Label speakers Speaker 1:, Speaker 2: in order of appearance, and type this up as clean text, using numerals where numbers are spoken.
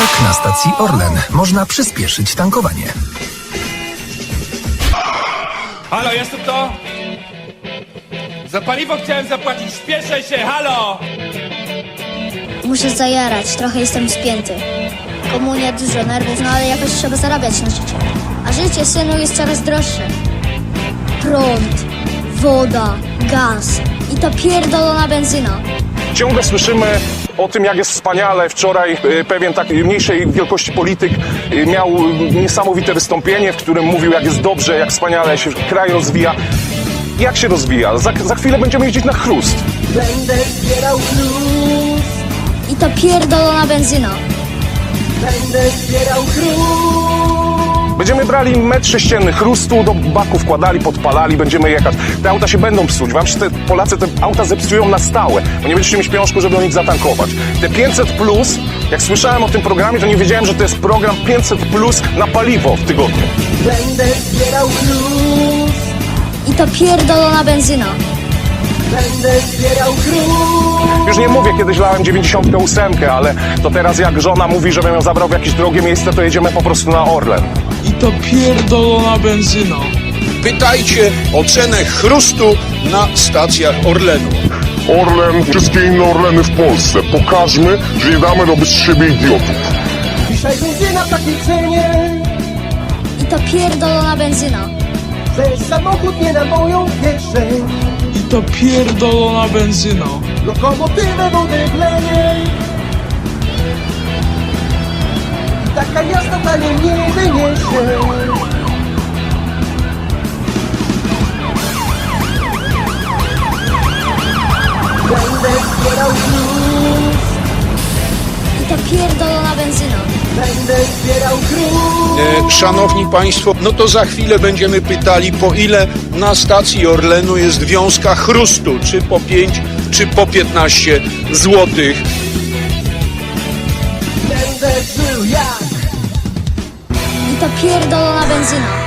Speaker 1: Jak na stacji Orlen można przyspieszyć tankowanie?
Speaker 2: Halo, jest tu kto? Za paliwo chciałem zapłacić, śpieszę się, halo!
Speaker 3: Muszę zajarać, trochę jestem spięty. Komunia, dużo nerwów, no ale jakoś trzeba zarabiać na życie. A życie, synu, jest coraz droższe. Prąd, woda, gaz i ta pierdolona benzyna.
Speaker 4: Ciągle słyszymy o tym, jak jest wspaniale. Wczoraj pewien tak mniejszej wielkości polityk miał niesamowite wystąpienie, w którym mówił, jak jest dobrze, jak wspaniale się kraj rozwija. Jak się rozwija? Za chwilę będziemy jeździć na chrust.
Speaker 5: Będę zbierał chrust,
Speaker 3: I ta pierdolona benzyna.
Speaker 5: będę zbierał chrust.
Speaker 4: Będziemy brali metr sześcienny chrustu, do baku wkładali, podpalali, będziemy jechać. Te auta się będą psuć. Wam się Polacy te auta zepsują na stałe, bo nie będziecie mieć pieniążku, żeby do nich zatankować. Te 500+, jak słyszałem o tym programie, to nie wiedziałem, że to jest program 500+ na paliwo w tygodniu.
Speaker 5: Będę zbierał chrust,
Speaker 3: I ta pierdolona benzyna.
Speaker 5: będę zbierał chrust.
Speaker 4: Już nie mówię, kiedyś lałem 98, ale to teraz jak żona mówi, żebym ją zabrał w jakieś drogie miejsce, to jedziemy po prostu na Orlen.
Speaker 6: I to pierdolona benzyna.
Speaker 7: Pytajcie o cenę chrustu na stacjach Orlenu.
Speaker 8: Orlen, wszystkie inne Orleny w Polsce. Pokażmy, że nie damy robić z siebie idiotów.
Speaker 5: Dzisiaj benzyna w takiej cenie,
Speaker 3: I ta pierdolona benzyna.
Speaker 5: że samochód nie na moją kieszeń.
Speaker 6: I to pierdolona benzyna.
Speaker 5: Lokomotywę wody wleje. I taka jazda taniej nie wyniesie. Będę zbierał chrust,
Speaker 3: I ta pierdolona benzyna.
Speaker 5: będę zbierał chrust.
Speaker 7: Szanowni Państwo, no to za chwilę będziemy pytali, po ile na stacji Orlenu jest wiązka chrustu, czy po 5, czy po 15 złotych.
Speaker 5: Będę żył jak
Speaker 3: I ta pierdolona benzyna.